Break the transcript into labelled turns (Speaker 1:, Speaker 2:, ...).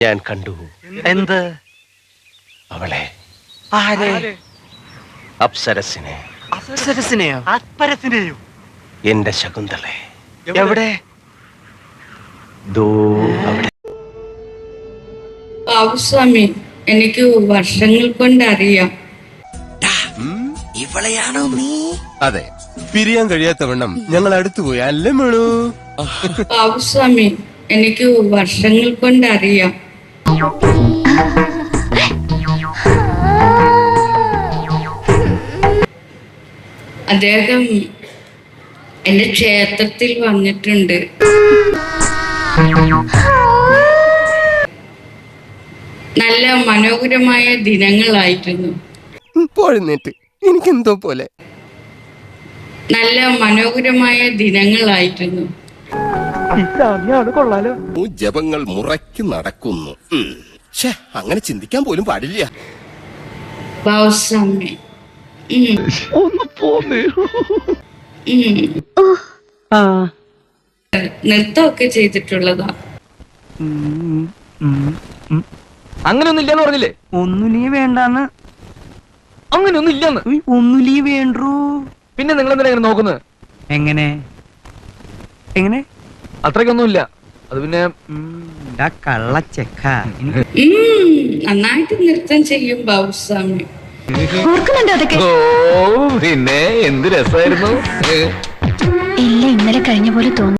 Speaker 1: ഞാൻ കണ്ടു.
Speaker 2: എന്ത്?
Speaker 1: അവളെ.
Speaker 2: ആരെ?
Speaker 1: അപ്സരസിനെ.
Speaker 2: അപ്സരസിനെയോ? അപ്സരസിനെയോ?
Speaker 1: എന്റെ ശകുന്തളെ.
Speaker 2: എവിടെ?
Speaker 1: ദോ അവിടെ.
Speaker 3: ബാബുസ്വാമി, എനിക്ക് വർഷങ്ങൾ കൊണ്ട് അറിയാം.
Speaker 1: ഇവളെയാണോ നീ?
Speaker 4: അതെ, പിരിയാൻ കഴിയാത്തവണ്ണം ഞങ്ങൾ അടുത്തുപോയി അല്ലേ മേളൂ?
Speaker 3: ബാബുസ്വാമി, എനിക്ക് വർഷങ്ങൾ കൊണ്ട് അറിയാം. അദ്ദേഹം എന്റെ ക്ഷേത്രത്തിൽ വന്നിട്ടുണ്ട്. നല്ല മനോഹരമായ ദിനങ്ങളായിരുന്നു.
Speaker 4: പോഴുന്നേറ്റ് എനിക്കെന്തോ പോലെ.
Speaker 3: നല്ല മനോഹരമായ ദിനങ്ങളായിരുന്നു.
Speaker 4: ജപങ്ങൾ മുറയ്ക്ക് നടക്കുന്നു. അങ്ങനെ ചിന്തിക്കാൻ പോലും പാടില്ല.
Speaker 3: ബാബുസ്വാമി, നൃത്തമൊക്കെ ചെയ്തിട്ടുള്ളതാ.
Speaker 2: അങ്ങനെയൊന്നും ഇല്ലെന്ന് പറഞ്ഞില്ലേ? ഒന്നുലീ വേണ്ടാന്ന്. അങ്ങനെയൊന്നും ഇല്ലെന്ന്. ഒന്നുലീ വേണ്ടൂ. പിന്നെ നിങ്ങൾ എന്തിനാ ഇങ്ങനെ നോക്കുന്നത്? എങ്ങനെ എങ്ങനെ? അത്രയ്ക്കൊന്നും ഇല്ല. അത് പിന്നെ കള്ളച്ചെക്ക.
Speaker 3: നന്നായിട്ട് നൃത്തം ചെയ്യും ബാബുസ്വാമി.
Speaker 2: ഓ, പിന്നെ എന്ത് രസമായിരുന്നു.
Speaker 5: എല്ലാം ഇന്നലെ കഴിഞ്ഞ പോലെ തോന്നുന്നു.